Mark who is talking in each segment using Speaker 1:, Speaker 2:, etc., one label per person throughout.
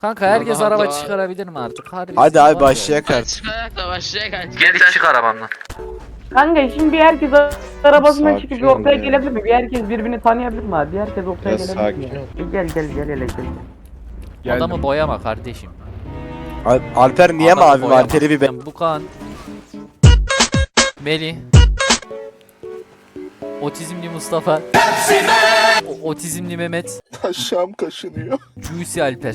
Speaker 1: Kanka herkes
Speaker 2: Allah
Speaker 1: araba
Speaker 2: Allah.
Speaker 1: çıkarabilir mi artık? Harbi
Speaker 3: Hadi
Speaker 1: sinir
Speaker 3: abi
Speaker 1: var ya.
Speaker 3: başlayak artık.
Speaker 2: Çıkarak da başlayak.
Speaker 1: Gel çık arabamdan.
Speaker 4: Kanka şimdi bir herkes arabasından
Speaker 5: Sakin
Speaker 4: çıkıp bir
Speaker 5: ol
Speaker 4: ortaya
Speaker 5: ya.
Speaker 4: gelebilir mi? Bir herkes birbirini tanıyabilir mi abi? Bir herkes ortaya
Speaker 5: Biraz
Speaker 4: gelebilir mi?
Speaker 5: sakin ol.
Speaker 4: Gel hele gel.
Speaker 1: Adamı boyama kardeşim.
Speaker 3: Alper niye
Speaker 1: Adamı
Speaker 3: mavi
Speaker 1: boyama.
Speaker 3: var? Teri bir ben.
Speaker 1: Bu kan. Melih. Otizmli Mustafa. Otizmli Mehmet.
Speaker 5: Aşağım kaşınıyor.
Speaker 1: Juicy Alper.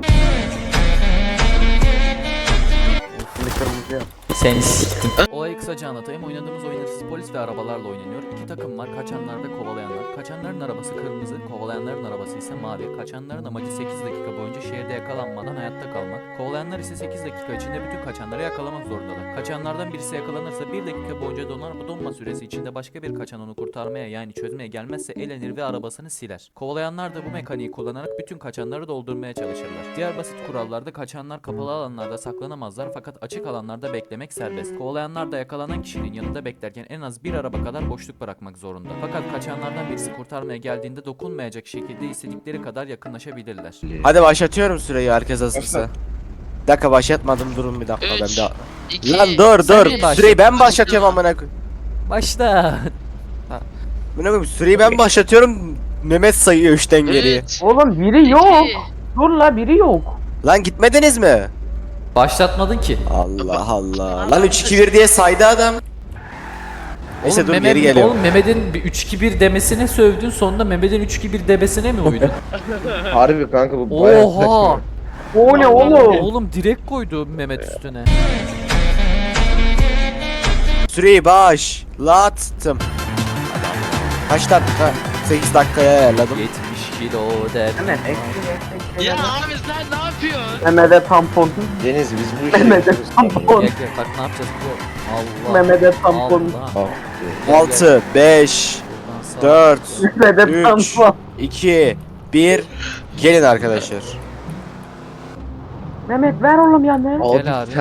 Speaker 1: Seni siktim. Olayı kısaca anlatayım. Oynadığımız oyun hırsız polis ve arabalarla oynanıyor. İki takım var. Kaçanlar ve kovalayanlar. Kaçanların arabası kırmızı, kovalayanların arabası ise mavi. Kaçanların amacı 8 dakika boyunca şehirde yakalanmadan hayatta kalmak. Kovalayanlar ise 8 dakika içinde bütün kaçanları yakalamak zorundalar. Kaçanlardan birisi yakalanırsa 1 dakika boyunca donar. Bu donma süresi içinde başka bir kaçan onu kurtarmaya yani çözmeye gelmezse elenir ve arabasını siler. Kovalayanlar da bu mekaniği kullanarak bütün kaçanları doldurmaya çalışırlar. Diğer basit kurallarda kaçanlar kapalı alanlarda saklanamazlar fakat açık alanlarda beklemek serbest. Kovalayanlar da yakalanan kişinin yanında beklerken en az bir araba kadar boşluk bırakmak zorunda. Fakat kaçanlardan birisi kurtarmaya geldiğinde dokunmayacak şekilde istedikleri kadar yakınlaşabilirler.
Speaker 3: Hadi başlatıyorum süreyi herkes hazırsa. Bir dakika başlatmadım, durun bir dakika ben
Speaker 2: 3,
Speaker 3: de.
Speaker 2: 2,
Speaker 3: Lan dur
Speaker 1: başla.
Speaker 3: süreyi ben başlatıyorum amına koyayım.
Speaker 1: Başla.
Speaker 3: Amına koyayım süreyi ben başlatıyorum. Mehmet sayıyor 3'ten geriye.
Speaker 4: Oğlum biri yok. Dur la biri yok.
Speaker 3: Lan gitmediniz mi?
Speaker 1: Başlatmadın ki.
Speaker 3: Allah Allah. Lan 3-2-1 diye saydı adam. Neyse
Speaker 1: Oğlum,
Speaker 3: dur geri geliyorum.
Speaker 1: Oğlum Mehmet'in bir 3-2-1 demesine sövdün, sonunda Mehmet'in 3-2-1 demesine mi uydun?
Speaker 5: Harbi kanka bu bayağı
Speaker 1: Oha!
Speaker 5: saçma.
Speaker 4: O ne oğlum?
Speaker 1: Oğlum direkt koydu Mehmet üstüne.
Speaker 3: Süreyi başlattım. Kaç dakika? 8 dakikaya ayarladım.
Speaker 1: 70 kilo der.
Speaker 4: Hemen
Speaker 2: Ya abi sen ne yapıyorsun?
Speaker 4: Mehmet'e tampon.
Speaker 5: Deniz biz bu işi
Speaker 4: Mehmet'e
Speaker 5: yapıyoruz.
Speaker 4: tampon.
Speaker 1: Gel gel bak ne yapacağız bu? Allah.
Speaker 4: Mehmet'e tampon.
Speaker 1: Allah.
Speaker 5: Ah,
Speaker 3: 6, 5,
Speaker 1: Buradan sağ-
Speaker 3: 4,
Speaker 4: Mehmet'e
Speaker 3: 3,
Speaker 4: tampon.
Speaker 3: 2, 1. Gelin arkadaşlar.
Speaker 4: Mehmet ver oğlum ya ne?
Speaker 5: Abi,
Speaker 1: Gel abi.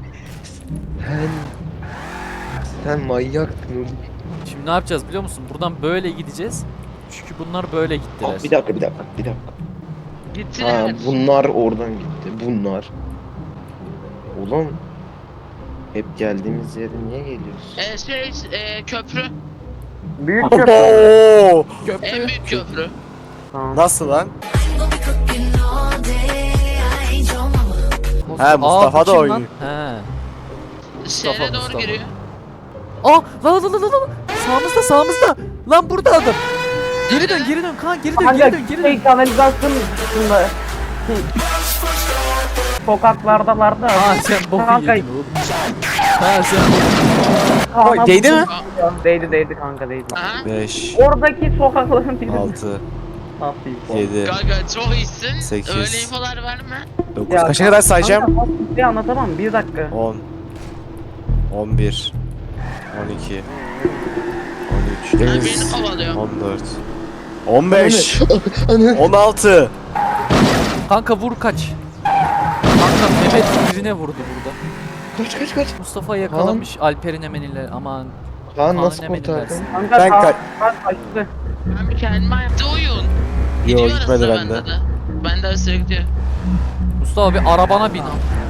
Speaker 5: sen manyaksın.
Speaker 1: Şimdi ne yapacağız biliyor musun? Buradan böyle gideceğiz. Çünkü bunlar böyle gittiler.
Speaker 5: Abi, bir dakika. Ha,
Speaker 2: Gittiler.
Speaker 5: bunlar oradan gitti. Bunlar. Ulan hep geldiğimiz yere niye geliyoruz?
Speaker 2: Köprü.
Speaker 4: Büyük köprü.
Speaker 3: Oo!
Speaker 2: En büyük köprü.
Speaker 4: Tamam.
Speaker 3: Nasıl lan?
Speaker 1: Mustafa,
Speaker 3: He, Mustafa
Speaker 1: bu
Speaker 3: da
Speaker 1: kim lan?
Speaker 3: oynuyor.
Speaker 1: He.
Speaker 2: Şehre doğru
Speaker 1: Mustafa.
Speaker 2: giriyor.
Speaker 1: Aa lan. Sağımızda. Lan burada adam. Geri dön Kaan geri dön.
Speaker 4: Kanalizasyon üstünde. Sokaklardalarda.
Speaker 1: Aa sen boku
Speaker 4: Kanka.
Speaker 1: yedin oğlum. Ha sen
Speaker 4: Kaan'a
Speaker 3: Değdi mi?
Speaker 4: Değdi kanka değdi.
Speaker 2: Aha.
Speaker 3: 5,
Speaker 4: Oradaki sokakların birinde.
Speaker 3: 6,
Speaker 4: Nasıl
Speaker 3: 7,
Speaker 2: Kanka çok iyisin.
Speaker 3: 8.
Speaker 2: Öyle infolar verme.
Speaker 3: 9.
Speaker 4: Ya,
Speaker 3: Kaça kadar sayacağım?
Speaker 4: Kanka nasıl bir anlatamam bir dakika.
Speaker 3: 10, 11, 12, 13,
Speaker 2: Ben birini kovalıyorum.
Speaker 3: 14, 15, 16.
Speaker 1: Kanka vur kaç. Kanka Mehmet birine vurdu burada.
Speaker 5: Kaç.
Speaker 1: Mustafa yakalamış Alper'in emeniyle aman.
Speaker 5: Kaan nasıl
Speaker 1: Kaan emeni
Speaker 5: kurtardın?
Speaker 1: versin.
Speaker 4: Kanka
Speaker 3: Ben
Speaker 4: Kaan kaçtı.
Speaker 2: Ben bir kendime yaptı oyun.
Speaker 3: Yo
Speaker 2: Gidiyor
Speaker 3: gitmedi
Speaker 2: arasında
Speaker 3: bende.
Speaker 2: de. Ben de arasına gidiyor.
Speaker 1: Mustafa bir arabana bin.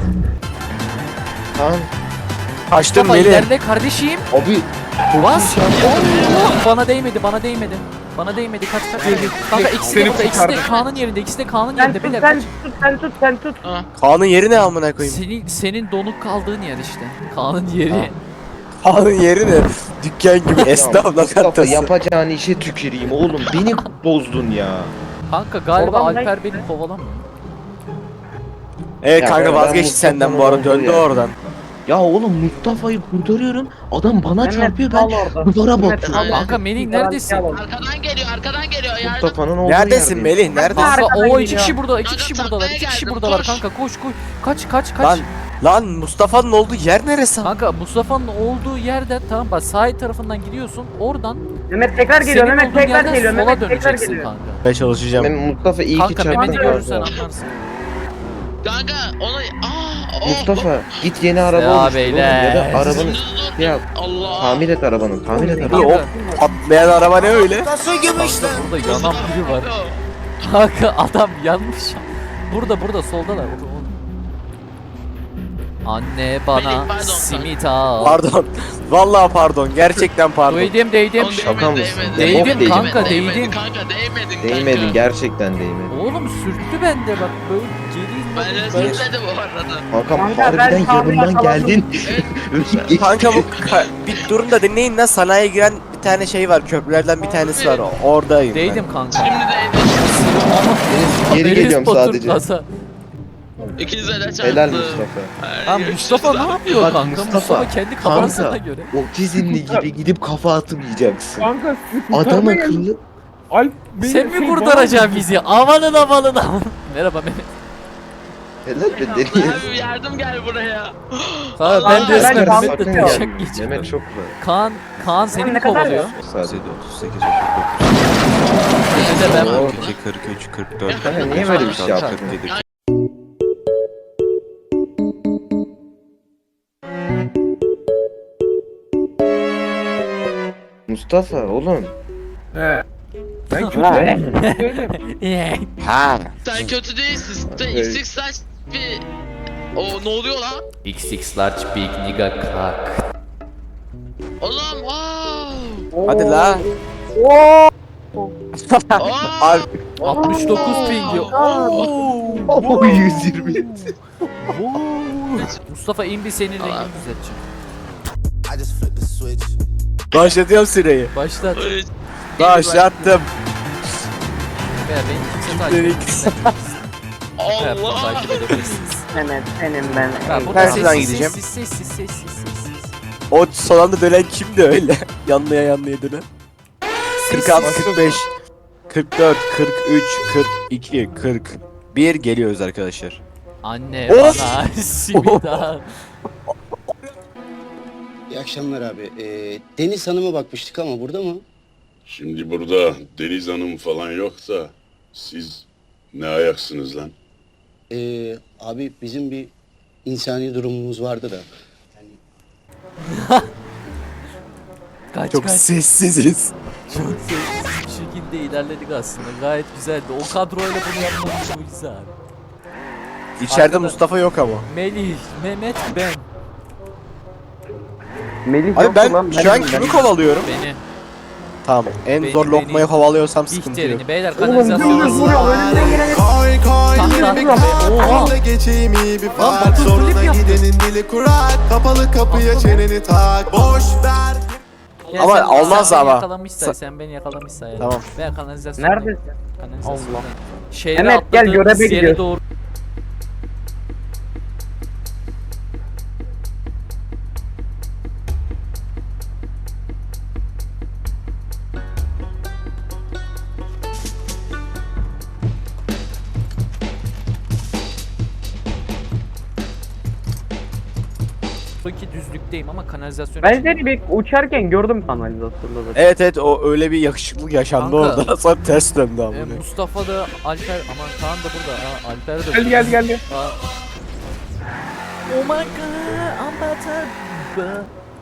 Speaker 5: Kaan
Speaker 3: Kaçtım
Speaker 1: Mustafa
Speaker 3: Melih.
Speaker 1: ilerle kardeşim.
Speaker 5: abi
Speaker 1: Bas. Allah, bana değmedi. Bana değmedi. Kaç. Kanka ikisi de burada. İkisi de Kaan'ın yerinde.
Speaker 4: Sen
Speaker 1: Beyler
Speaker 4: tut
Speaker 1: kaç.
Speaker 4: sen tut.
Speaker 2: Ha.
Speaker 3: Kaan'ın yeri ne amına koyayım?
Speaker 1: Senin donuk kaldığın yer işte. Kaan'ın yeri.
Speaker 3: Kaan'ın yeri ne? Dükkan gibi esnaf
Speaker 5: Mustafa
Speaker 3: lokantası.
Speaker 5: yapacağın işe tüküreyim oğlum. Beni bozdun ya.
Speaker 1: Kanka galiba
Speaker 4: Oradan
Speaker 1: Alper
Speaker 4: ne-
Speaker 1: beni kovalamıyor.
Speaker 3: Evet
Speaker 5: Ya
Speaker 3: kanka
Speaker 5: ben
Speaker 3: vazgeçti
Speaker 5: Mustafa'nın
Speaker 3: senden bu arada, döndü
Speaker 5: olduğu yer.
Speaker 3: oradan.
Speaker 5: Ya oğlum Mustafa'yı kurtarıyorum. Adam bana
Speaker 4: Mehmet,
Speaker 5: çarpıyor,
Speaker 4: kal
Speaker 5: ben
Speaker 4: orada.
Speaker 5: duvara
Speaker 4: Mehmet,
Speaker 5: batıyorum.
Speaker 4: kal orada.
Speaker 1: Kanka Melih neredesin?
Speaker 2: Arkadan geliyor. Yardım.
Speaker 5: Mustafa'nın olduğu
Speaker 3: Neredesin
Speaker 5: yerdeyim.
Speaker 3: Melih? Neredesin?
Speaker 1: Kanka
Speaker 4: Arkadan
Speaker 1: o iki
Speaker 4: geliyor.
Speaker 1: kişi burada. İki
Speaker 2: Kanka,
Speaker 1: kişi buradalar.
Speaker 2: taklaya
Speaker 1: İki kişi
Speaker 2: geldim,
Speaker 1: buradalar
Speaker 2: koş.
Speaker 1: kanka. Koş. Kaç.
Speaker 3: Lan Mustafa'nın olduğu yer neresi?
Speaker 1: Kanka Mustafa'nın olduğu yerde tamam bak sahil tarafından gidiyorsun. Oradan
Speaker 4: Mehmet tekrar geliyor.
Speaker 1: senin
Speaker 4: Mehmet
Speaker 1: olduğun
Speaker 4: tekrar
Speaker 1: yerden
Speaker 4: geliyor.
Speaker 1: sola
Speaker 4: Mehmet tekrar
Speaker 1: döneceksin
Speaker 4: geliyor.
Speaker 1: kanka.
Speaker 3: Ben çalışacağım.
Speaker 5: Ben Mustafa iyi ki
Speaker 1: Kanka
Speaker 5: çarptın.
Speaker 1: Mehmet'i
Speaker 5: bu
Speaker 1: görürsen
Speaker 5: arada.
Speaker 1: anlarsın.
Speaker 2: Kanka onu...
Speaker 5: Mustafa git yeni araba
Speaker 1: Ya
Speaker 5: oluştur oğlum.
Speaker 1: beyler.
Speaker 5: Ya da arabanı
Speaker 2: Dur.
Speaker 5: ya
Speaker 2: Allah.
Speaker 5: tamir et arabanı. Tamir et
Speaker 3: Bu
Speaker 5: arabanı.
Speaker 3: o patlayan araba ne öyle?
Speaker 1: Kanka burada yanan biri var. Kanka adam yanmış. Burada soldalar. Anne bana
Speaker 2: Melih, pardon,
Speaker 1: simit al.
Speaker 3: Pardon. Vallahi pardon. Gerçekten pardon.
Speaker 1: Değdim.
Speaker 2: Oğlum
Speaker 5: Şaka mısın?
Speaker 1: Değdin
Speaker 5: Bok
Speaker 1: kanka,
Speaker 2: değmedin.
Speaker 1: değdin.
Speaker 2: Kanka değmedin
Speaker 5: Değmedin
Speaker 2: kanka.
Speaker 5: gerçekten değmedin.
Speaker 1: Oğlum sürttü bende bak böyle geri
Speaker 2: Ben sürtledim bu arada.
Speaker 5: Kankam
Speaker 4: Kanka,
Speaker 5: harbiden
Speaker 4: ben tahmin
Speaker 5: yanından
Speaker 4: yakaladım.
Speaker 5: geldin.
Speaker 3: Kanka bu bir durun da dinleyin lan, sanayiye giren bir tane şey var, köprülerden bir tanesi var, oradayım ben.
Speaker 1: Değdim kanka.
Speaker 2: Şimdi değdi.
Speaker 5: Geri
Speaker 1: Enes
Speaker 5: geliyorum
Speaker 1: Batur
Speaker 5: sadece.
Speaker 1: Plaza.
Speaker 2: İkinize de çarptı.
Speaker 5: Helal Mustafa.
Speaker 1: Ha Mustafa ne yapıyor
Speaker 5: Bak
Speaker 1: kanka?
Speaker 5: Mustafa,
Speaker 1: Mustafa kendi kafasına göre.
Speaker 5: Otizmli gibi gidip kafa atmayacaksın.
Speaker 4: Kanka sizi
Speaker 5: Adam
Speaker 4: kurtarmaya geldim.
Speaker 5: akıllı.
Speaker 4: Alp beni
Speaker 1: Sen mi
Speaker 4: şey
Speaker 1: kurtaracaksın bizi? Amanın amanın amanın. Merhaba Mehmet.
Speaker 5: Helal be deniz.
Speaker 2: Abi yardım gel buraya.
Speaker 1: Kanka ben
Speaker 2: Allah,
Speaker 1: resmen
Speaker 4: ben
Speaker 1: Mehmet'le
Speaker 4: sakın
Speaker 1: taşak
Speaker 5: Mehmet
Speaker 1: geçiyorum.
Speaker 5: çok güzel.
Speaker 1: Kaan seni
Speaker 4: Ne
Speaker 1: mi
Speaker 4: kadar
Speaker 1: kovalıyor?
Speaker 5: Sadece.
Speaker 3: 38,
Speaker 1: Mehmet'e ben
Speaker 3: 39, 43, 44.
Speaker 5: Kanka niye böyle bir şey yaptın?
Speaker 3: 47.
Speaker 5: Mustafa oğlum.
Speaker 4: He. Ben kötü değilim.
Speaker 3: Ha.
Speaker 2: Sen kötü değilsin. Sen
Speaker 5: Evet.
Speaker 2: XX slash bir... O ne oluyor lan?
Speaker 1: XX large big nigga cock.
Speaker 2: Oğlum wow.
Speaker 3: Hadi la.
Speaker 2: Oo.
Speaker 3: Alp.
Speaker 1: 69 pingi.
Speaker 5: Oo 120.
Speaker 1: Mustafa in bir senin rengini düzelteceğim.
Speaker 3: Başlatıyorum süreyi.
Speaker 1: Başlat.
Speaker 3: Başlattım.
Speaker 1: Veya beni kimse takip etmesin.
Speaker 2: Allah.
Speaker 1: Takip edebilirsiniz.
Speaker 4: Mehmet senin ben.
Speaker 1: Ha, burada
Speaker 3: Nereden
Speaker 1: sessiz,
Speaker 3: gideceğim?
Speaker 1: sessiz.
Speaker 3: O son anda dönen kimdi öyle? yanlıya dönen. 46, 45, 44, 43, 42, 41 geliyoruz arkadaşlar.
Speaker 1: Anne
Speaker 3: Of!
Speaker 1: bana simit al.
Speaker 6: İyi akşamlar abi. Deniz Hanım'a bakmıştık ama burada mı?
Speaker 7: Şimdi burada Deniz Hanım falan yok da siz ne ayaksınız lan?
Speaker 6: Abi bizim bir insani durumumuz vardı da.
Speaker 1: Kaç
Speaker 3: Çok
Speaker 1: kaç.
Speaker 3: sessiziz.
Speaker 1: Çok sessiz bir şekilde ilerledik aslında. Gayet güzeldi. O kadroyla bunu yapmamız mucize abi.
Speaker 3: İçeride
Speaker 1: Arkada-
Speaker 3: Mustafa yok ama.
Speaker 1: Melih, Mehmet, ben.
Speaker 4: Melih
Speaker 3: Abi
Speaker 4: yoktu
Speaker 3: ben
Speaker 4: lan,
Speaker 3: şu an kimi kovalıyorum?
Speaker 1: Beni.
Speaker 3: Tamam. En
Speaker 1: Beni-
Speaker 3: zor lokmayı kovalıyorsam sıkıntı yok.
Speaker 1: Bihter'ini. Beyler
Speaker 4: Oğlum dümdüz
Speaker 1: kanalizasyonu.
Speaker 4: vuruyor. Önünden geleni
Speaker 8: Koy koy
Speaker 1: Tahta.
Speaker 8: bir kart
Speaker 1: Oha.
Speaker 8: Önde geçeyim iyi bir
Speaker 1: Lan
Speaker 8: fark
Speaker 1: Batu
Speaker 8: Soruna
Speaker 1: flip yaptı.
Speaker 8: gidenin dili kurak Kapalı kapıya çeneni tak Boş ver
Speaker 1: Ya
Speaker 3: Ama
Speaker 1: sen-
Speaker 3: olmaz
Speaker 1: sen beni
Speaker 3: ama.
Speaker 1: yakalamışsan, sen beni yakalamışsan ya.
Speaker 3: Tamam.
Speaker 1: Veya kanalizasyon.
Speaker 4: Neredesin?
Speaker 1: Kanalizasyon.
Speaker 4: Allah.
Speaker 1: Şehre
Speaker 4: Mehmet, gel,
Speaker 1: atladığımız
Speaker 4: göreve
Speaker 1: yere
Speaker 4: gidiyoruz.
Speaker 1: doğru. Ki düzlükteyim ama kanalizasyon
Speaker 4: Ben
Speaker 1: için-
Speaker 4: seni bir uçarken gördüm kanalizasyonda zaten.
Speaker 3: Evet o öyle bir yakışıklık yaşandı
Speaker 1: Kanka.
Speaker 3: orada. Sonra ters döndü ama.
Speaker 1: Mustafa da Alper aman Kaan da burada. Ha, Alper de
Speaker 4: Gel.
Speaker 1: Aa. Oh my god, I'm better.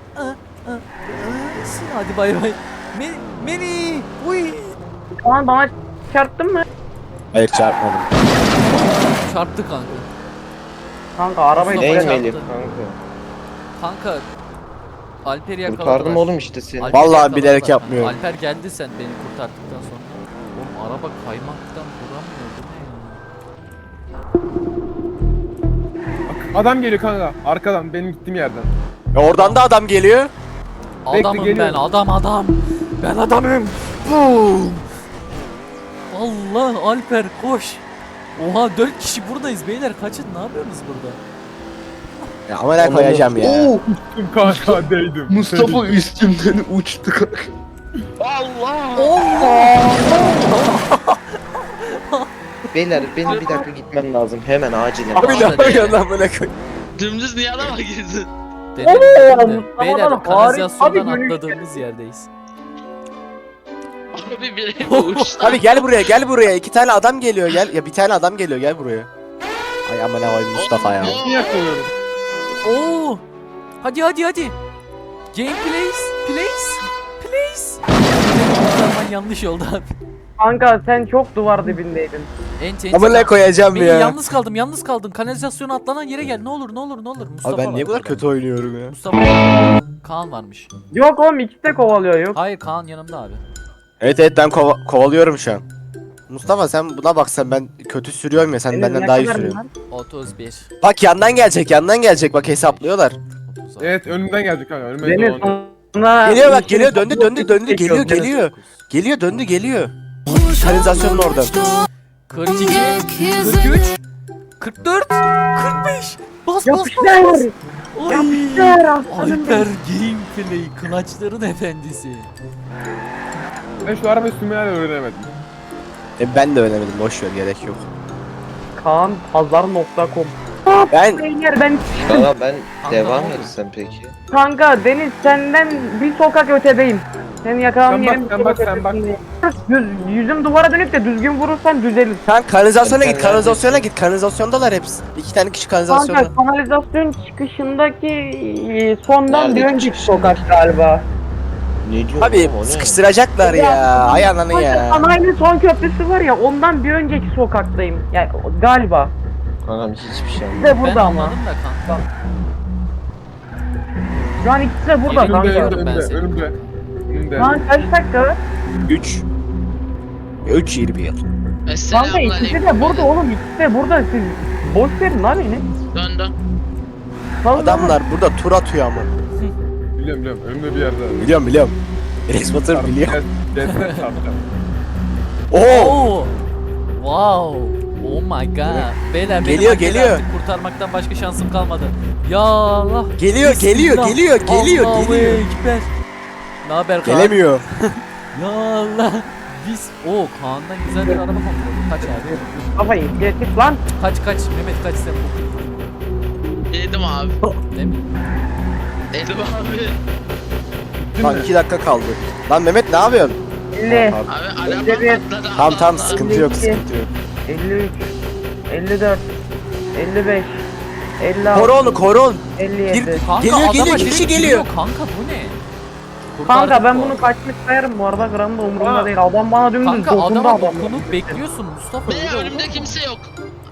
Speaker 1: Hadi bay bay. Meni, uy.
Speaker 4: Şu an bana çarptın mı?
Speaker 3: Hayır çarpmadım.
Speaker 1: Çarptı kanka.
Speaker 4: Kanka arabayı
Speaker 1: Mustafa
Speaker 5: Değil
Speaker 1: çarptı.
Speaker 5: Melih kanka.
Speaker 1: Kanka. Alper'i yakaladılar.
Speaker 5: Kurtardım oğlum işte seni.
Speaker 1: Alper'i
Speaker 3: Vallahi
Speaker 1: yakaladılar
Speaker 3: bilerek
Speaker 1: kanka.
Speaker 3: yapmıyorum.
Speaker 1: Alper geldi sen beni kurtardıktan sonra. Oğlum araba kaymaktan duramıyor. Bu ne ya?
Speaker 9: Adam geliyor kanka arkadan benim gittiğim yerden.
Speaker 3: Oradan da adam geliyor.
Speaker 1: Adamım ben
Speaker 9: geliyorum.
Speaker 1: adam. Ben adamım. Boom. Allah Alper koş. Oha 4 kişi buradayız beyler kaçın ne yapıyorsunuz burada?
Speaker 3: Ya ama ne koyacağım ya.
Speaker 5: Oo,
Speaker 9: Tüm kanka değdim.
Speaker 5: Mustafa üstümden uçtu kanka.
Speaker 2: Allah.
Speaker 5: Beyler benim bir dakika gitmem lazım. Hemen acilen.
Speaker 3: Abi ne yapıyorsun lan böyle koy.
Speaker 2: Dümdüz niye adama girdin?
Speaker 1: Dedim
Speaker 4: Oo,
Speaker 1: de,
Speaker 4: Mustafa'dan
Speaker 1: beyler
Speaker 4: harika
Speaker 1: kanalizasyondan
Speaker 4: bir dönüş.
Speaker 1: atladığımız yerdeyiz.
Speaker 2: Abi biri mi uçtu?
Speaker 3: Abi gel buraya. 2 tane adam geliyor gel. Ya bir tane adam geliyor gel buraya. Ay aman ne koyayım Mustafa ya.
Speaker 9: Niye yakalıyorum?
Speaker 1: Oo! Hadi. Game place. Kurtarman yanlış oldu abi.
Speaker 4: Kanka sen çok duvar dibindeydin.
Speaker 1: Enti.
Speaker 3: Ama ne koyacağım
Speaker 1: Melih,
Speaker 3: ya.
Speaker 1: yalnız kaldım. Kanalizasyona atlanan yere gel. Ne olur. Mustafa
Speaker 3: Abi ben
Speaker 1: var
Speaker 3: niye bu kadar
Speaker 1: burada.
Speaker 3: kötü oynuyorum ya?
Speaker 1: Mustafa var. Kaan varmış.
Speaker 4: Yok oğlum ikisi de kovalıyor yok.
Speaker 1: Hayır, Kaan yanımda abi.
Speaker 3: Evet ben kovalıyorum şu an. Mustafa sen buna baksan ben kötü sürüyorum ya sen
Speaker 4: Deniz,
Speaker 3: benden
Speaker 4: ne
Speaker 3: daha iyi
Speaker 4: kadar
Speaker 3: sürüyorsun.
Speaker 4: bunlar?
Speaker 1: 31.
Speaker 3: Bak yandan gelecek bak hesaplıyorlar.
Speaker 1: 36.
Speaker 9: Evet önümden gelecek kanka. Önüme
Speaker 4: Deniz
Speaker 9: dolanıyor.
Speaker 4: sana...
Speaker 3: Geliyor bak
Speaker 4: şey-
Speaker 3: geliyor döndü
Speaker 4: çekiyor, Deniz.
Speaker 3: geliyor geliyor. Kanalizasyonun oradan.
Speaker 1: 42. 43. 44. 45. Bas.
Speaker 4: Yapıştır!
Speaker 1: Oy.
Speaker 4: Yapıştır aslanım
Speaker 1: Alper
Speaker 4: benim.
Speaker 1: gameplay. Kılaçların efendisi.
Speaker 9: Ben şu arabayı sürmeyi hala öğrenemedim.
Speaker 3: Ben de öğrenemedim boş ver gerek yok.
Speaker 4: Kaanpazar.com
Speaker 3: Ben
Speaker 4: Beyler ben
Speaker 5: Kanka ben
Speaker 1: Kanka,
Speaker 5: devam
Speaker 1: ne oldu?
Speaker 5: etsem peki.
Speaker 4: kanka Deniz senden bir sokak ötedeyim. Seni yakalan
Speaker 9: Sen bak,
Speaker 4: yerim.
Speaker 9: sen bak, sen bak.
Speaker 4: Yüzüm duvara dönük de düzgün vurursan düzelir.
Speaker 3: sen kanalizasyona
Speaker 5: Sen
Speaker 3: git Kanalizasyondalar hepsi. 2 tane kişi
Speaker 4: Kanka
Speaker 3: kanalizasyonda.
Speaker 4: kanalizasyon çıkışındaki sondan
Speaker 5: Nerede
Speaker 4: bir önceki
Speaker 5: çıkışında?
Speaker 4: sokak galiba.
Speaker 5: Ne diyorsun
Speaker 3: Abi
Speaker 5: oğlum, o ne?
Speaker 3: sıkıştıracaklar ya. Ay ananı
Speaker 4: Kanka
Speaker 3: ya.
Speaker 4: sanayinin son köprüsü var ya ondan bir önceki sokaktayım. Yani galiba.
Speaker 5: Kankam hiçbir şey
Speaker 4: İkisi
Speaker 5: anlamadım.
Speaker 4: de
Speaker 1: Ben
Speaker 4: burada ama.
Speaker 1: anladım da kanka.
Speaker 4: Şu an ikisi de burada
Speaker 1: Önümde,
Speaker 4: kanka.
Speaker 1: Biliyorum ben seni.
Speaker 9: Önümde.
Speaker 4: Şu an kaç dakika var?
Speaker 3: 3 20 yıl.
Speaker 4: Kanka ikisi de burada oğlum ikisi de burada siz boş verin lan beni.
Speaker 2: Döndüm.
Speaker 4: Vallahi
Speaker 3: Adamlar burada tur atıyor ama.
Speaker 9: Biliyorum. Önümde bir yerde.
Speaker 3: Biliyorum. Rex Batur biliyor.
Speaker 9: Destek çarpacağım.
Speaker 3: Oo!
Speaker 1: Oo. Wow. Oh my god. Beyler benim
Speaker 3: Geliyor,
Speaker 1: Alper'i
Speaker 3: geliyor.
Speaker 1: artık kurtarmaktan başka şansım kalmadı. Ya Allah.
Speaker 3: Geliyor.
Speaker 1: Allahu Ekber. Ne haber Kaan?
Speaker 3: Gelemiyor.
Speaker 1: Ya Allah. Biz Kaan'dan güzel bir araba kontrolü. Kaç abi?
Speaker 4: kafayı getir lan.
Speaker 1: Kaç Mehmet kaç sen bu.
Speaker 2: Yedim abi.
Speaker 1: Ne mi?
Speaker 2: Yedim abi.
Speaker 3: Lan 2 dakika kaldı. Lan Mehmet ne yapıyorsun?
Speaker 4: 50,
Speaker 3: Tamam,
Speaker 2: Abi arabam
Speaker 4: Evet.
Speaker 2: patladı.
Speaker 3: tamam
Speaker 2: Allah Allah.
Speaker 3: sıkıntı yok.
Speaker 4: 53, 54, 55, 56,
Speaker 3: Koru onu.
Speaker 4: 57.
Speaker 1: Kanka
Speaker 3: Geliyor,
Speaker 1: adama
Speaker 3: geliyor,
Speaker 1: direkt
Speaker 3: kişi geliyor.
Speaker 1: Kanka bu ne?
Speaker 4: Kanka
Speaker 1: Kurtardık
Speaker 4: ben
Speaker 1: bu
Speaker 4: bunu
Speaker 1: arada.
Speaker 4: kaçmış sayarım bu arada gram da umurumda değil. Adam bana dümdüz
Speaker 1: Kanka
Speaker 4: dokundu
Speaker 1: adama
Speaker 4: adam.
Speaker 1: dokunup bekliyorsun Mustafa.
Speaker 2: Be
Speaker 1: öyle olur
Speaker 2: önümde
Speaker 1: mu?
Speaker 2: kimse yok.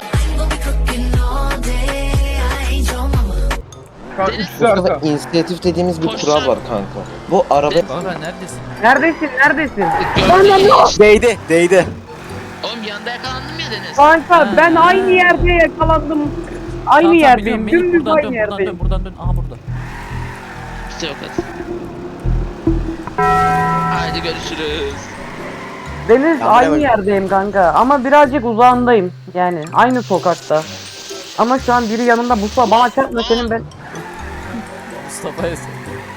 Speaker 9: Kanka
Speaker 2: Deniz-
Speaker 9: ikisi arka.
Speaker 5: Mustafa inisiyatif dediğimiz bir
Speaker 2: Koş
Speaker 5: kural
Speaker 2: lan.
Speaker 5: var kanka. Bu araba
Speaker 1: Kanka neredesin?
Speaker 4: Neredesin?
Speaker 2: Gördüm.
Speaker 3: Değdi.
Speaker 2: Oğlum yanında yakalandım ya Deniz.
Speaker 4: Kanka
Speaker 1: Ha.
Speaker 4: ben aynı yerde yakalandım. Aynı
Speaker 1: Tamam,
Speaker 4: yerdeyim.
Speaker 1: biliyorum. Melih,
Speaker 4: Dümdüz
Speaker 1: buradan
Speaker 4: aynı
Speaker 1: dön,
Speaker 4: yerdeyim.
Speaker 1: buradan dön. Aha burada.
Speaker 2: Kimse yok hadi. Haydi görüşürüz.
Speaker 4: Deniz
Speaker 3: Ya,
Speaker 4: aynı
Speaker 3: bak.
Speaker 4: yerdeyim kanka ama birazcık uzağındayım. Yani aynı sokakta. Ama şu an biri yanımda Mustafa bana çarpma senin ben.
Speaker 1: Mustafa'ya sor.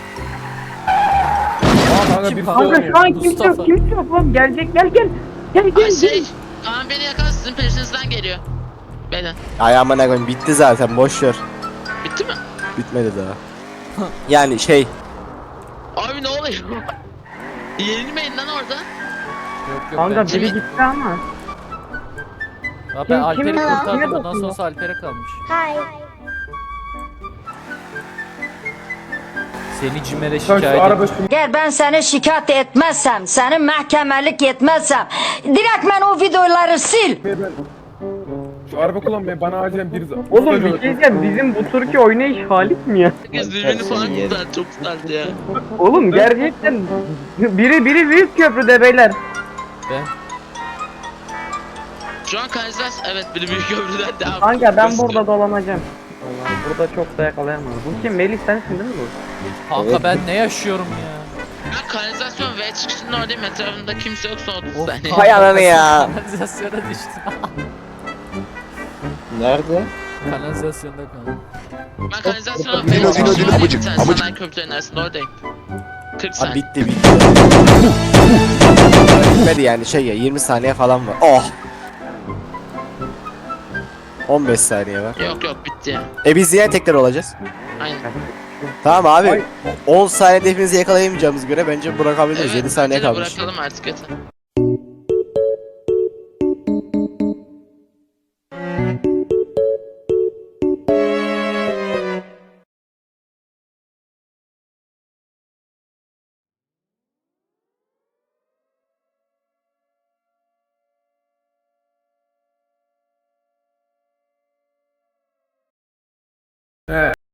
Speaker 9: Kanka
Speaker 1: Kim
Speaker 9: bir
Speaker 1: kanka?
Speaker 4: Kanka şu an kimse
Speaker 1: Mustafa.
Speaker 4: yok kimse yok oğlum gelecek gel. Gel
Speaker 2: Ay şey. Kaan beni yakalan sizin peşinizden geliyor. Beyler.
Speaker 3: Ayağıma ne koyayım bitti zaten boş ver.
Speaker 2: Bitti mi?
Speaker 3: Bitmedi daha. Yani şey
Speaker 2: Abi ne oluyor? Yenilmeyin lan orada.
Speaker 1: Yok yok.
Speaker 4: Kanka
Speaker 1: ben-
Speaker 4: biri gitti ama.
Speaker 1: Ya ben Alper'i
Speaker 4: Kime
Speaker 1: kurtardım. Bundan
Speaker 4: dokunuyor?
Speaker 1: sonrası Alper'e kalmış. Seni CİMER'e
Speaker 9: Sen şu
Speaker 1: şikayet
Speaker 9: araba
Speaker 1: et.
Speaker 9: sürmeyi
Speaker 10: Eğer ben seni şikayet etmezsem, seni mahkemelik etmezsem, direkt ben o videoları sil.
Speaker 9: Şu araba kullanmayı bana acilen bir
Speaker 4: Oğlum bir şey diyeceğim bizim bu Türkiye oynayış halit mi ya?
Speaker 2: Herkes birbirini falan kurtardı. Çok güzeldi ya.
Speaker 4: Oğlum gerçekten biri büyük köprüde beyler.
Speaker 1: Ben.
Speaker 2: Şu an kanalizasyon evet biri büyük köprüden devam.
Speaker 4: Kanka ben burada dolanacağım. Allah'ım burada çok da yakalayamam. Bu kim? Melih sensin değil mi bu?
Speaker 1: Kanka
Speaker 5: Evet.
Speaker 1: ben ne yaşıyorum ya?
Speaker 2: Ben kanalizasyon V çıkışının oradayım. Etrafımda kimse yok son 30
Speaker 1: Of,
Speaker 2: saniye.
Speaker 3: Hay ananı ya.
Speaker 1: Kanalizasyona düştüm.
Speaker 5: nerede?
Speaker 1: Kanalizasyonda kaldım.
Speaker 2: Ben kanalizasyona V
Speaker 8: Dino,
Speaker 2: çıkışının
Speaker 8: Dino,
Speaker 2: oradayım.
Speaker 8: amacık,
Speaker 2: Sen
Speaker 8: amacık.
Speaker 2: sanayi köprülerinin arasında oradayım. 40
Speaker 3: Abi
Speaker 2: saniye.
Speaker 3: bitti. Bitmedi yani şey ya 20 saniye falan var. Oh. 15 saniye var.
Speaker 2: Yok bitti ya.
Speaker 3: Biz yine tekrar olacağız.
Speaker 2: Aynen.
Speaker 3: Tamam abi. 10 saniyede hepinizi yakalayamayacağımız göre bence bırakabiliriz. 7 saniye
Speaker 2: bence de
Speaker 3: kalmış.
Speaker 2: Bırakalım artık yeter.
Speaker 9: He.